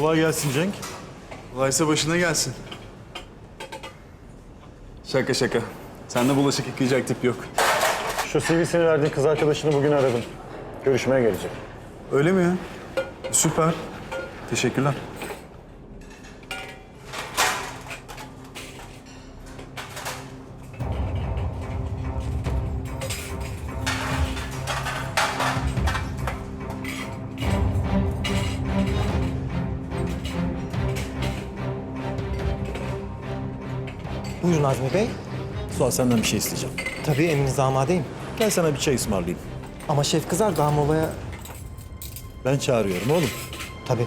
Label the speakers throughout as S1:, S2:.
S1: Kolay gelsin Cenk.
S2: Kolaysa başına gelsin. Şaka şaka. Sende bulaşık yıkayacak tip yok.
S1: Şu CV'sini verdiğin kız arkadaşını bugün aradım. Görüşmeye gelecek.
S2: Öyle mi ya? Süper. Teşekkürler.
S3: Buyurun Azmi Bey.
S4: Suat senden bir şey isteyeceğim.
S3: Tabii emrinize amadeyim.
S4: Gel sana bir çay ısmarlayayım.
S3: Ama şef kızar daha molaya...
S4: Ben çağırıyorum oğlum.
S3: Tabii.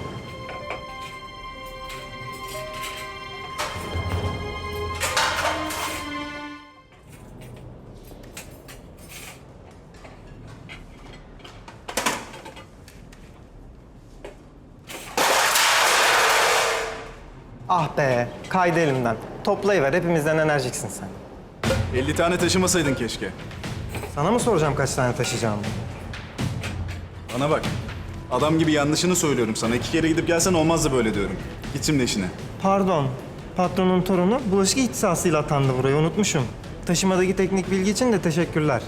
S3: Ah be, kaydı elimden. Toplayıver, hepimizden enerjiksin sen.
S2: 50 tane taşımasaydın keşke.
S3: Sana mı soracağım kaç tane taşıyacağımı?
S2: Bana bak. Adam gibi yanlışını söylüyorum sana. 2 kere gidip gelsen olmazdı böyle diyorum. Git şimdi işine.
S3: Pardon, patronun torunu bulaşık ihtisasıyla atandı buraya, unutmuşum. Taşımadaki teknik bilgi için de teşekkürler.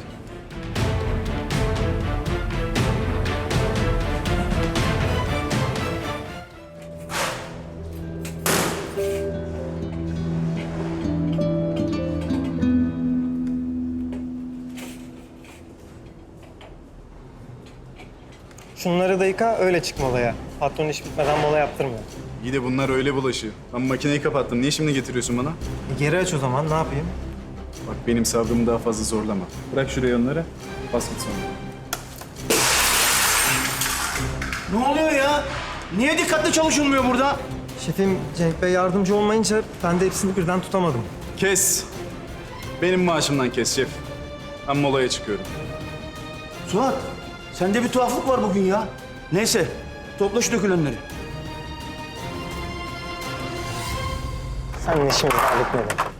S3: Şunları da yıka, öyle çık molaya. Patron iş bitmeden mola yaptırmıyor.
S2: İyi de bunlar öyle bulaşıyor. Ben makineyi kapattım. Niye şimdi getiriyorsun bana?
S3: Geri aç o zaman, ne yapayım?
S2: Bak benim sabrımı daha fazla zorlama. Bırak şuraya onları. Bas git sonra.
S5: Ne oluyor ya? Niye dikkatli çalışılmıyor burada?
S3: Şefim, Cenk Bey yardımcı olmayınca ben de hepsini birden tutamadım.
S2: Kes. Benim maaşımdan kes şef. Ben molaya çıkıyorum.
S5: Suat, sende bir tuhaflık var bugün ya. Neyse, topla şu dökülenleri.
S3: Senin işimizi halletmedim.